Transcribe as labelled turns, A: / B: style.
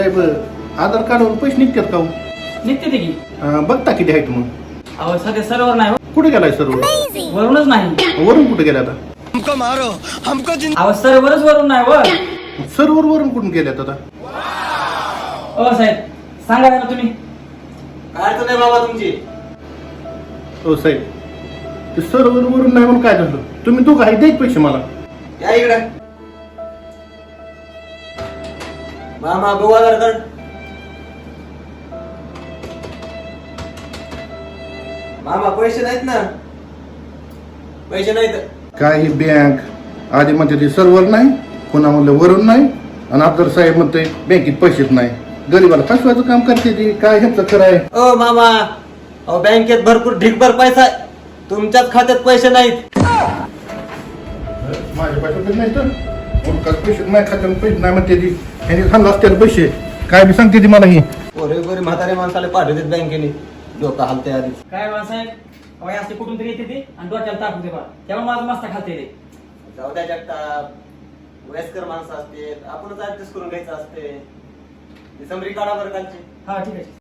A: साहेब आधार कार्डवर पैसे निघतात का हो?
B: निघते ते की
A: बघता किती आहेत मग?
B: अहो सध्या सर्वर नाही हो.
A: कुठे गेलाय सर्व?
B: वरूनच नाही.
A: वरून कुठे गेला आता?
B: अहो सर्वरच वरून नाही वर.
A: सर्वर वरून कुठून गेल्यात आता?
B: साहेब सांगा ना तुम्ही.
C: काय अडचण नाही बाबा तुमची.
A: हो साहेब ते सर्वर वरून नाही म्हणून काय झालं? तुम्ही तो काही द्यायचे पैसे मला.
C: या इकडे मामा बघू आधार कार्ड. मामा पैसे नाहीत ना. पैसे नाहीत.
A: काही बँक आधी म्हणते ते सर्वर नाही, पुन्हा म्हणलं वरून नाही, आणि अब्दुल साहेब म्हणते बँकेत पैसेच नाही. गरीबाला फसवायचं काम करते ती. काय ह्यांचं खरं आहे?
C: ओ मामा अहो बँकेत भरपूर ढिगभर पैसा आहे. तुमच्याच खात्यात पैसे नाहीत.
A: माझ्या पैसे नाही तर पैसे नाही, खात्यात पैसे नाही म्हणते ती. ह्यांनी खाल्लं असतील पैसे. काय बी सांगते ती मला ही.
C: गोरे गोरे म्हातारे माणसाला पाठवतात बँकेने. डोकं हलते आधी.
B: काय साहेब अहो हे असते कुठून तरी येते ते आणि डोक्याला टाकून ते बघा. त्यामुळे माझं मस्त खाते ते.
C: जाऊ द्या जगताप. वयस्कर माणसं असते आपणच ऍडजस्ट करून घ्यायचं असते. समरी काढा बरं कालची.
B: हा ठीक आहे.